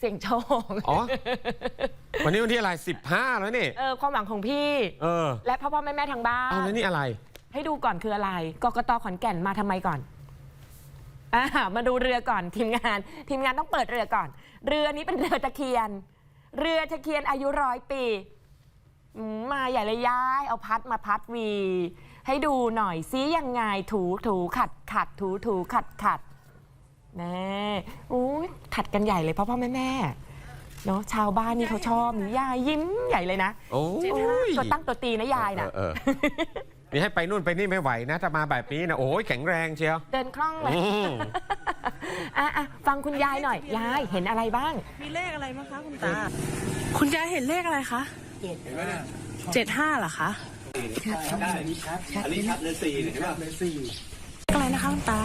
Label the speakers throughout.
Speaker 1: เสี่ยงโชค
Speaker 2: อ๋อ วันนี้วันที่อะไร15แล้วนี่
Speaker 1: ความหวังของพี่และพ่อแม่ทางบ้าน
Speaker 2: เอาแล้วนี่อะไร
Speaker 1: ให้ดูก่อนคืออะไรกกต.ขอนแก่นมาทำไมก่อนมาดูเรือก่อนทีมงานต้องเปิดเรือก่อนเรือนี้เป็นเรือตะเคียนอายุ100 ปีมาใหญ่เลยย้ายเอาพัดมาพัดวีให้ดูหน่อยซิยังไงถูขัดถูขัดแน่ขัดกันใหญ่เลยพ่อแม่เนาะชาวบ้านนี่เขาชอบนี่ยายยิ้มใหญ่เลยนะ
Speaker 2: โอ้ย
Speaker 1: ตัวตั้งตัวตีนะยายนะ
Speaker 2: นี่ให้ไปนู่นไปนี่ไม่ไหวนะถ้ามาแบบนี้นะโอ้ยแข็งแรงเชียว
Speaker 1: เดินคล่องเลยฟังคุณยายหน่อยยายเห็นอะไรบ้าง
Speaker 3: มีเลขอะไรบ้างคะคุณตาคุณยายเห็นเลขอะไรคะ75เหรอคะ
Speaker 4: อันนี้ชัดเลย4เห็นป่ะเลย4
Speaker 3: อะไรนะคะคุณตา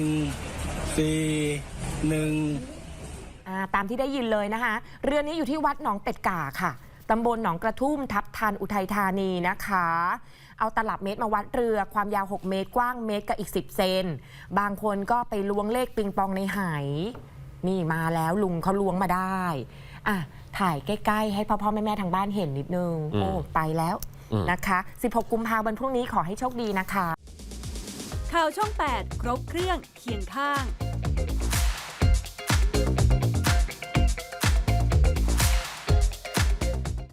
Speaker 1: ตามที่ได้ยินเลยนะคะเรือนี้อยู่ที่วัดหนองเป็ดก่าค่ะตำบลหนองกระทุ่มทับทันอุทัยธานีนะคะเอาตลับเมตรมาวัดเรือความยาว6 เมตรกว้างเมตรกับอีก10 เซนบางคนก็ไปล้วงเลขปิงปองในไหนี่มาแล้วลุงเขาล้วงมาได้ถ่ายใกล้ๆให้พ่อแม่ทางบ้านเห็นนิดนึงโอ้ไปแล้วนะคะ16 กุมภาพันธ์วันพรุ่งนี้ขอให้โชคดีนะคะ
Speaker 5: ข่าวช่อง 8 ครบเครื่องเคียงข้าง